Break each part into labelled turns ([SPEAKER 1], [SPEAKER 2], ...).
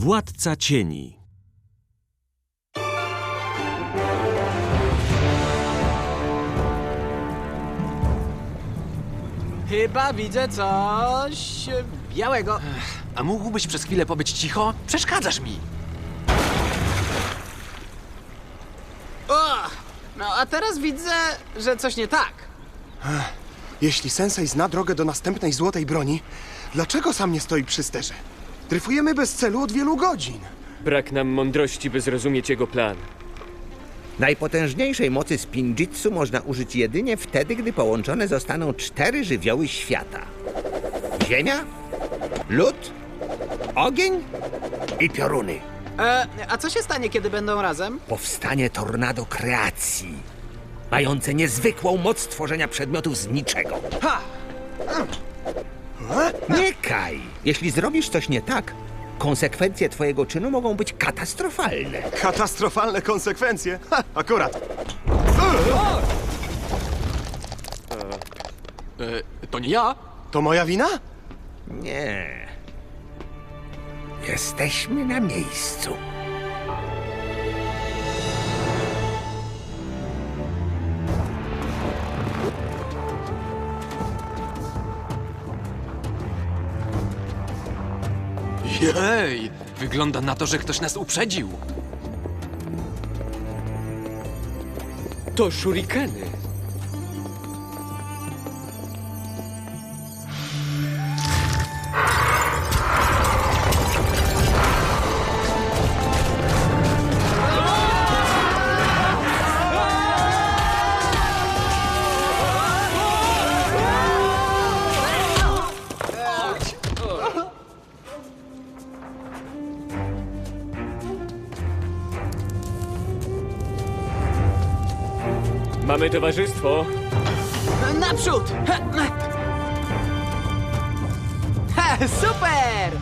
[SPEAKER 1] Władca cieni.
[SPEAKER 2] Chyba widzę coś białego.
[SPEAKER 3] A mógłbyś przez chwilę pobyć cicho? Przeszkadzasz mi.
[SPEAKER 2] O! No a teraz widzę, że coś nie tak.
[SPEAKER 4] Jeśli Sensei zna drogę do następnej złotej broni, dlaczego sam nie stoi przy sterze? Dryfujemy bez celu od wielu godzin.
[SPEAKER 5] Brak nam mądrości, by zrozumieć jego plan.
[SPEAKER 6] Najpotężniejszej mocy spinjitsu można użyć jedynie wtedy, gdy połączone zostaną 4 żywioły świata. Ziemia, lód, ogień i pioruny.
[SPEAKER 2] A co się stanie, kiedy będą razem?
[SPEAKER 6] Powstanie tornado kreacji, mające niezwykłą moc tworzenia przedmiotów z niczego.
[SPEAKER 4] Ha!
[SPEAKER 6] Nie kaj! Jeśli zrobisz coś nie tak, konsekwencje twojego czynu mogą być katastrofalne.
[SPEAKER 4] Katastrofalne konsekwencje. Ha, akurat.
[SPEAKER 3] To nie ja?
[SPEAKER 4] To moja wina?
[SPEAKER 6] Nie. Jesteśmy na miejscu.
[SPEAKER 3] Jej! Wygląda na to, że ktoś nas uprzedził.
[SPEAKER 5] To shurikeny. Mamy towarzystwo.
[SPEAKER 2] Naprzód! Super!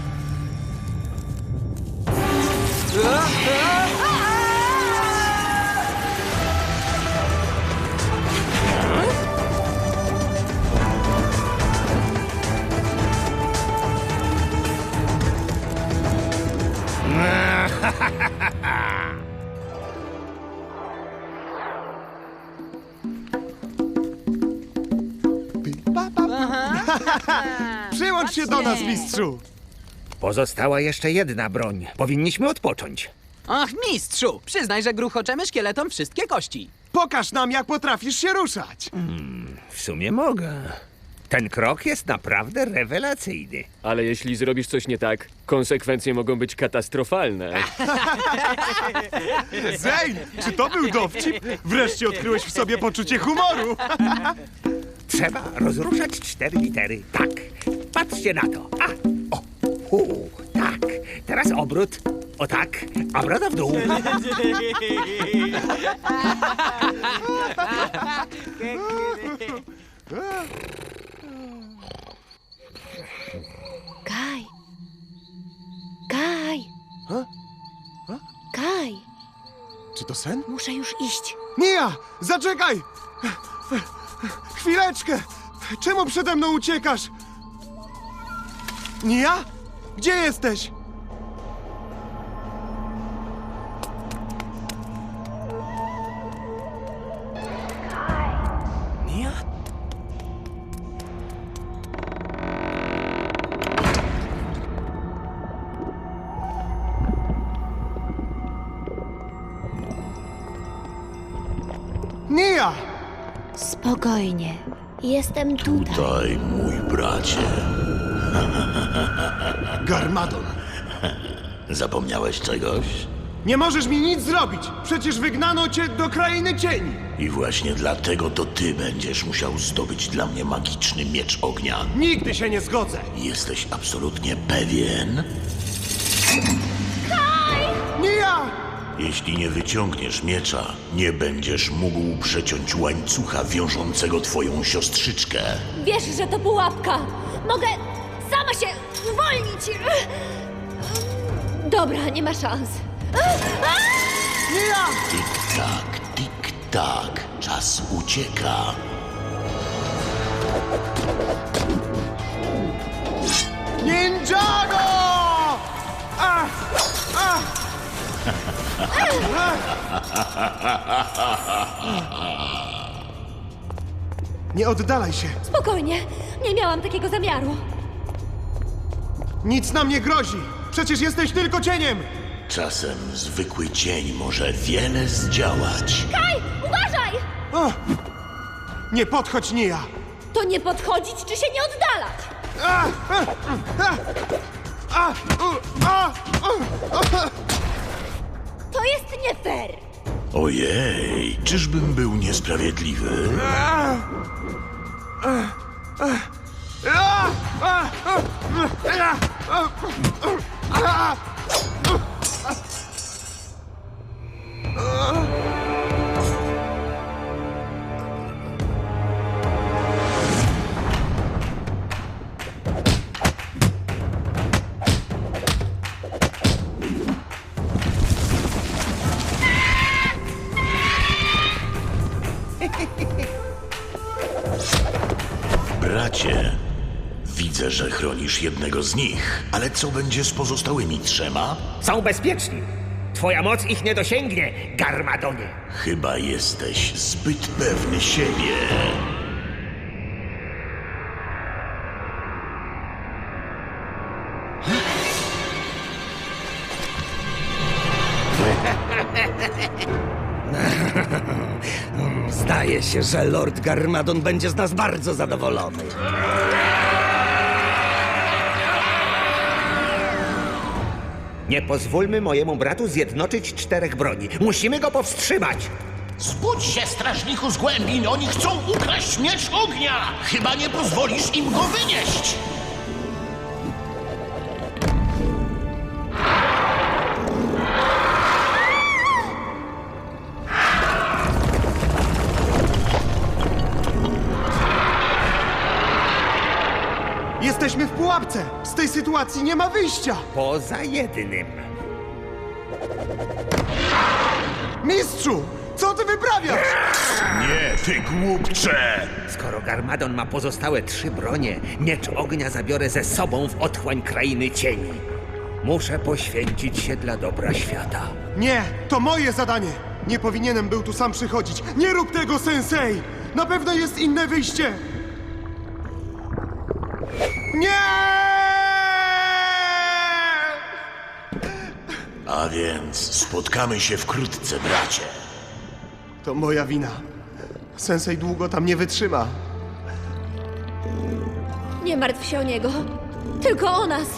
[SPEAKER 4] Przyłącz się do nas, mistrzu.
[SPEAKER 6] Pozostała jeszcze jedna broń. Powinniśmy odpocząć.
[SPEAKER 2] Ach, mistrzu! Przyznaj, że gruchoczemy szkieletom wszystkie kości.
[SPEAKER 4] Pokaż nam, jak potrafisz się ruszać.
[SPEAKER 6] W sumie mogę. Ten krok jest naprawdę rewelacyjny.
[SPEAKER 5] Ale jeśli zrobisz coś nie tak, konsekwencje mogą być katastrofalne.
[SPEAKER 4] Zane, czy to był dowcip? Wreszcie odkryłeś w sobie poczucie humoru.
[SPEAKER 6] Trzeba rozruszać 4 litery. Tak. Patrzcie na to. A, o, tak. Teraz obrót. O tak. A broda w dół.
[SPEAKER 7] Kaj! Kaj! Kaj!
[SPEAKER 4] Czy to sen?
[SPEAKER 7] Muszę już iść.
[SPEAKER 4] Mia, zaczekaj! Chwileczkę! Czemu przede mną uciekasz? Nia? Gdzie jesteś? Nia? Nia!
[SPEAKER 7] Spokojnie. Jestem tutaj.
[SPEAKER 8] Tutaj, mój bracie.
[SPEAKER 4] Garmadon!
[SPEAKER 8] Zapomniałeś czegoś?
[SPEAKER 4] Nie możesz mi nic zrobić! Przecież wygnano cię do krainy cieni!
[SPEAKER 8] I właśnie dlatego to ty będziesz musiał zdobyć dla mnie magiczny miecz ognia.
[SPEAKER 4] Nigdy się nie zgodzę!
[SPEAKER 8] Jesteś absolutnie pewien?
[SPEAKER 4] Nia!
[SPEAKER 8] Jeśli nie wyciągniesz miecza, nie będziesz mógł przeciąć łańcucha wiążącego twoją siostrzyczkę.
[SPEAKER 7] Wiesz, że to pułapka. Mogę sama się uwolnić. Dobra, nie ma szans.
[SPEAKER 8] Tik-tak, tik-tak, czas ucieka.
[SPEAKER 4] Ninjago! Ach! Nie oddalaj się.
[SPEAKER 7] Spokojnie, nie miałam takiego zamiaru.
[SPEAKER 4] Nic nam nie grozi. Przecież jesteś tylko cieniem.
[SPEAKER 8] Czasem zwykły cień może wiele zdziałać.
[SPEAKER 7] Kaj, uważaj!
[SPEAKER 4] O! Nie podchodź, Nia.
[SPEAKER 7] To nie podchodzić czy się nie oddalać.
[SPEAKER 4] A! A! A!
[SPEAKER 7] To jest nie fair.
[SPEAKER 8] Ojej, czyżbym był niesprawiedliwy? Bracie, widzę, że chronisz jednego z nich, ale co będzie z pozostałymi trzema?
[SPEAKER 6] Są bezpieczni. Twoja moc ich nie dosięgnie, Garmadonie.
[SPEAKER 8] Chyba jesteś zbyt pewny siebie.
[SPEAKER 1] Zdaje się, że Lord Garmadon będzie z nas bardzo zadowolony.
[SPEAKER 6] Nie pozwólmy mojemu bratu zjednoczyć 4 broni. Musimy go powstrzymać.
[SPEAKER 8] Zbudź się, strażniku z głębin! Oni chcą ukraść miecz ognia! Chyba nie pozwolisz im go wynieść!
[SPEAKER 4] Jesteśmy w pułapce. Z tej sytuacji nie ma wyjścia.
[SPEAKER 6] Poza jednym.
[SPEAKER 4] Mistrzu, co ty wyprawiasz?
[SPEAKER 8] Nie, ty głupcze!
[SPEAKER 6] Skoro Garmadon ma pozostałe 3 bronie, miecz ognia zabiorę ze sobą w otchłań krainy cieni. Muszę poświęcić się dla dobra świata.
[SPEAKER 4] Nie, to moje zadanie. Nie powinienem był tu sam przychodzić. Nie rób tego, sensei! Na pewno jest inne wyjście. Nie!
[SPEAKER 8] A więc spotkamy się wkrótce, bracie.
[SPEAKER 4] To moja wina. Sensei długo tam nie wytrzyma.
[SPEAKER 7] Nie martw się o niego. Tylko o nas.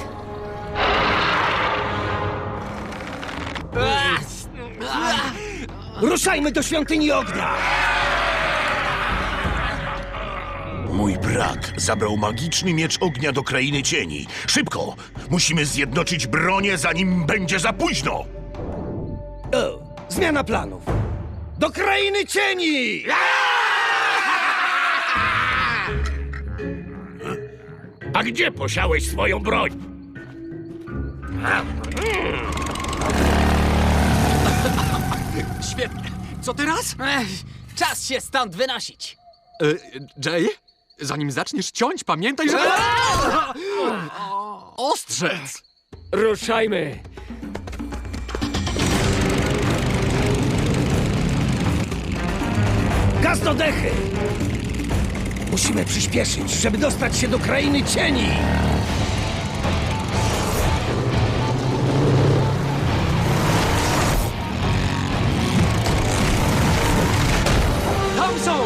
[SPEAKER 1] Ruszajmy do świątyni ognia!
[SPEAKER 8] Mój brat zabrał magiczny miecz ognia do krainy cieni. Szybko! Musimy zjednoczyć bronię, zanim będzie za późno!
[SPEAKER 1] O, zmiana planów. Do krainy cieni!
[SPEAKER 8] A gdzie posiałeś swoją broń?
[SPEAKER 3] Świetnie. Co teraz?
[SPEAKER 2] Czas się stąd wynosić.
[SPEAKER 3] Jay? Zanim zaczniesz ciąć, pamiętaj, że... Ostrzec!
[SPEAKER 5] Ruszajmy!
[SPEAKER 1] Gaz do dechy! Musimy przyspieszyć, żeby dostać się do krainy cieni!
[SPEAKER 3] Tam są!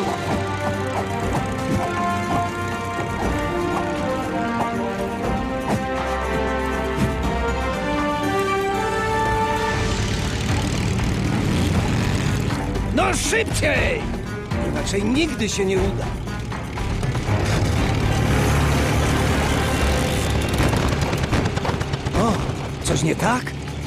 [SPEAKER 1] No szybciej! Inaczej nigdy się nie uda. O, coś nie tak?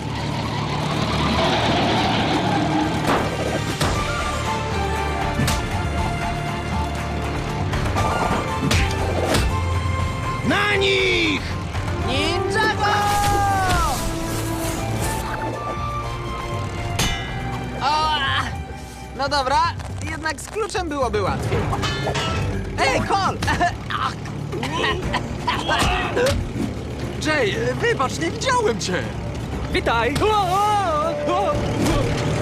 [SPEAKER 1] Na nich!
[SPEAKER 2] Ninjago! O! No dobra, jednak z kluczem byłoby łatwiej. Ej, Cole!
[SPEAKER 3] Jay, wybacz, nie widziałem cię!
[SPEAKER 5] Witaj!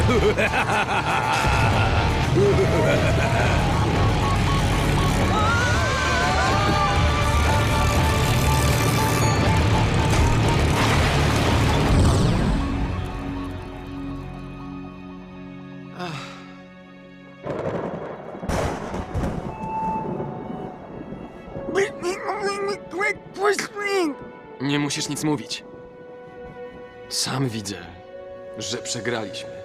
[SPEAKER 3] Nie musisz nic mówić. Sam widzę, że przegraliśmy.